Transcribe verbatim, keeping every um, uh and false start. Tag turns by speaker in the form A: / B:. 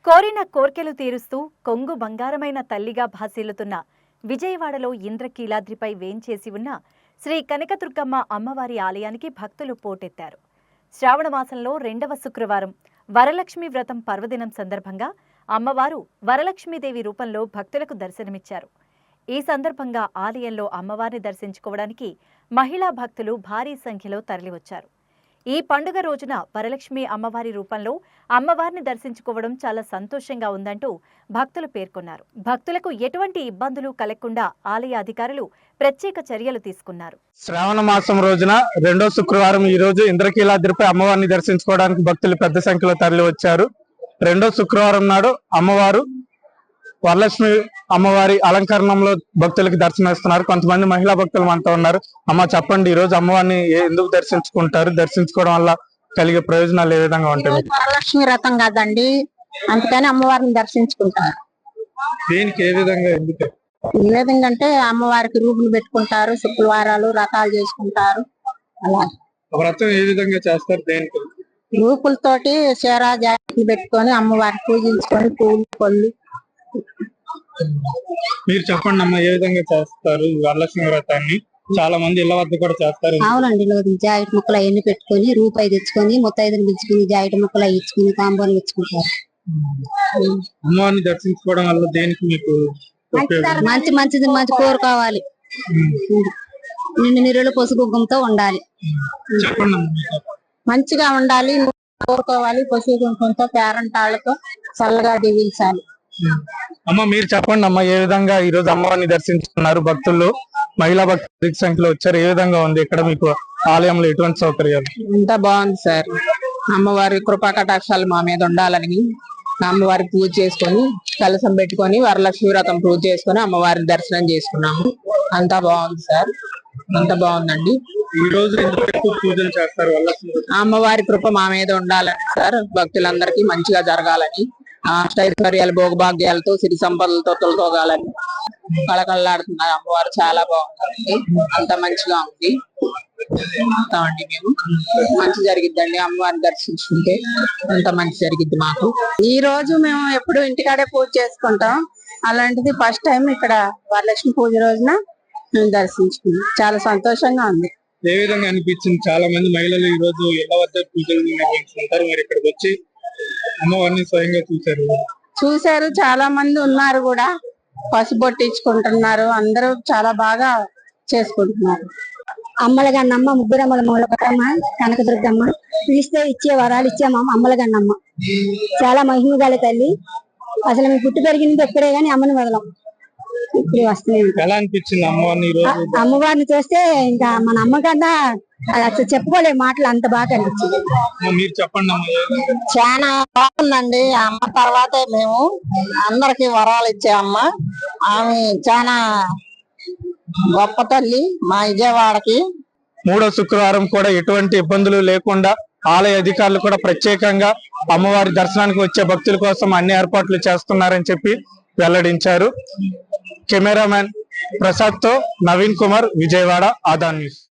A: కోరిన కోర్కెలు తీరుస్తూ కొంగు బంగారమైన తల్లిగా భాసిల్లుతున్న విజయవాడలో ఇంద్రకీలాద్రిపై వేంచేసి ఉన్న శ్రీ కనకదుర్గమ్మ అమ్మవారి ఆలయానికి భక్తులు పోటెత్తారు. శ్రావణ మాసంలో రెండవ శుక్రవారం వరలక్ష్మి వ్రతం పర్వదినం సందర్భంగా అమ్మవారు వరలక్ష్మీదేవి రూపంలో భక్తులకు దర్శనమిచ్చారు. ఈ సందర్భంగా ఆలయంలో అమ్మవారిని దర్శించుకోవడానికి మహిళా భక్తులు భారీ సంఖ్యలో తరలివచ్చారు. ఈ పండుగ రోజున వరలక్ష్మి అమ్మవారి రూపంలో అమ్మవారిని దర్శించుకోవడం చాలా సంతోషంగా ఉందంటూ భక్తులు పేర్కొన్నారు. భక్తులకు ఎటువంటి ఇబ్బందులు కలగకుండా ఆలయ అధికారులు ప్రత్యేక చర్యలు తీసుకున్నారు.
B: శ్రావణ మాసం రోజున రెండో శుక్రవారం ఈ రోజు ఇంద్రకీలాద్రిపై అమ్మవారిని దర్శించుకోవడానికి భక్తులు పెద్ద సంఖ్యలో తరలి వచ్చారు. రెండో శుక్రవారం నాడు అమ్మవారు వరలక్ష్మి అమ్మవారి అలంకరణంలో భక్తులకి దర్శనమిస్తున్నారు. కొంతమంది మహిళా భక్తులు మనతో ఉన్నారు. అమ్మ చెప్పండి, ఈ రోజు అమ్మవారిని ఎందుకు దర్శించుకుంటారు? దర్శించుకోవడం వల్ల కలిగే ప్రయోజనాలు ఏ విధంగా ఉంటాయి?
C: వరలక్ష్మి వ్రతం కదండి, అందుకని అమ్మవారిని దర్శించుకుంటారు.
B: దేనికి ఏ విధంగా ఎందుకు?
C: ఏ విధంగా అంటే అమ్మవారికి రూపులు పెట్టుకుంటారు, శుక్రవారాలు వ్రతాలు చేసుకుంటారు. అలా
B: వ్రతం ఏ విధంగా చేస్తారు? దేనికి?
C: రూపులతోటి చీర జాకెట్లు పెట్టుకొని అమ్మవారికి పూజించుకొని పూలు పళ్ళు.
B: మీరు చెప్పండి అమ్మ, ఏ విధంగా చేస్తారు వరలక్ష్మి వ్రతాన్ని? చాలా మంది ఇళ్ల వద్ద కూడా చేస్తారు.
C: అవునండి, జాకెట్ ముక్కలు అవన్నీ పెట్టుకొని రూపాయి తెచ్చుకొని ముత్తైదుని పిలుచుకుని జాకెట్ ముక్కలు అవి ఇచ్చుకుని తాంబూలం ఇచ్చుకుంటారు.
B: అమ్మవారిని దర్శించుకోవడం వల్ల దేనికి మీకు
C: మంచి మంచిది మంచి కోరుకోవాలి. నిండు నీరులు పసుపు కుంకుమతో ఉండాలి, మంచిగా ఉండాలి, కోరుకోవాలి. పసుపు కుంకుమతో పేరంటాళ్ళతో చల్లగా దీవించాలి.
B: అమ్మ మీరు చెప్పండి అమ్మ, ఏ విధంగా ఈ రోజు అమ్మవారిని దర్శించుకున్నారు? భక్తులు మహిళా భక్తుల సంఖ్యలో వచ్చారు. ఏ విధంగా ఉంది ఇక్కడ మీకు ఆలయంలో? ఎటువంటి సౌకర్యాలు?
D: అంతా బాగుంది సార్. అమ్మవారి కృపా కటాక్షాలు మా మీద ఉండాలని అమ్మవారి పూజ చేసుకొని కలసం పెట్టుకొని వరలక్ష్మి వ్రతం పూజ చేసుకొని అమ్మవారిని దర్శనం చేసుకున్నాము. అంతా బాగుంది సార్, అంతా బాగుందండి.
B: ఈ రోజు పూజలు చేస్తారు.
D: అమ్మవారి కృప మా మీద ఉండాలని సార్, భక్తులందరికీ మంచిగా జరగాలని, అష్టైశ్వర్యాలు భోగభాగ్యాలతో సిరి సంపదలతో తొలతోగాలని కళకళలాడుతున్నారు. అమ్మవారు చాలా బాగుందండి, అంత మంచిగా ఉంది. అండి మేము మంచి జరిగిద్దండి అమ్మవారిని దర్శించుకుంటే, అంత మంచి జరిగిద్ది మాకు.
C: ఈ రోజు మేము ఎప్పుడు ఇంటికాడే పూజ చేసుకుంటాం, అలాంటిది ఫస్ట్ టైం ఇక్కడ వరలక్ష్మి పూజ రోజున మేము దర్శించుకున్నాం. చాలా సంతోషంగా ఉంది.
B: ఏ విధంగా అనిపించింది? చాలా మంది మహిళలు ఈ రోజు ఇళ్ల వద్ద పూజలు నిర్వహించుకుంటారు, మరి ఇక్కడికి వచ్చి అమ్మవారిని స్వయంగా చూశారు
C: చూశారు చాలా మంది ఉన్నారు కూడా, పసుపొట్టించుకుంటున్నారు. అందరూ చాలా బాగా చేసుకుంటున్నారు. అమ్మలగన్నమ్మ, ముగ్గురమ్మల మూలకమ్మ, కనకదుర్గమ్మ పిలిస్తే ఇచ్చే వరాలు ఇచ్చే మా అమ్మలగన్నమ్మ చాలా మహిమ గల తల్లి. అసలు మేము పుట్టి పెరిగింది ఎక్కడే గానీ అమ్మని వదలం, ఇప్పుడు వస్తున్నాయి.
B: ఎలా అనిపించింది అమ్మవారిని?
C: అమ్మవారిని చూస్తే ఇంకా మన అమ్మ కన్నా అసలు చెప్పుకోలే మాటలు, అంత బాగా అనిపించింది.
B: మీరు చెప్పండి అమ్మ.
C: చాలా బాగుందండి. అమ్మ తర్వాతే మేము అందరికి వరాలు ఇచ్చే అమ్మ. ఆమె చాలా గొప్ప తల్లి మా విజయవాడకి.
B: మూడో శుక్రవారం కూడా ఎటువంటి ఇబ్బందులు లేకుండా ఆలయ అధికారులు కూడా ప్రత్యేకంగా అమ్మవారి దర్శనానికి వచ్చే భక్తుల కోసం అన్ని ఏర్పాట్లు చేస్తున్నారని చెప్పి వెల్లడించారు. కెమెరామెన్ ప్రసాద్ తో నవీన్ కుమార్, విజయవాడ, ఆదాన్ న్యూస్.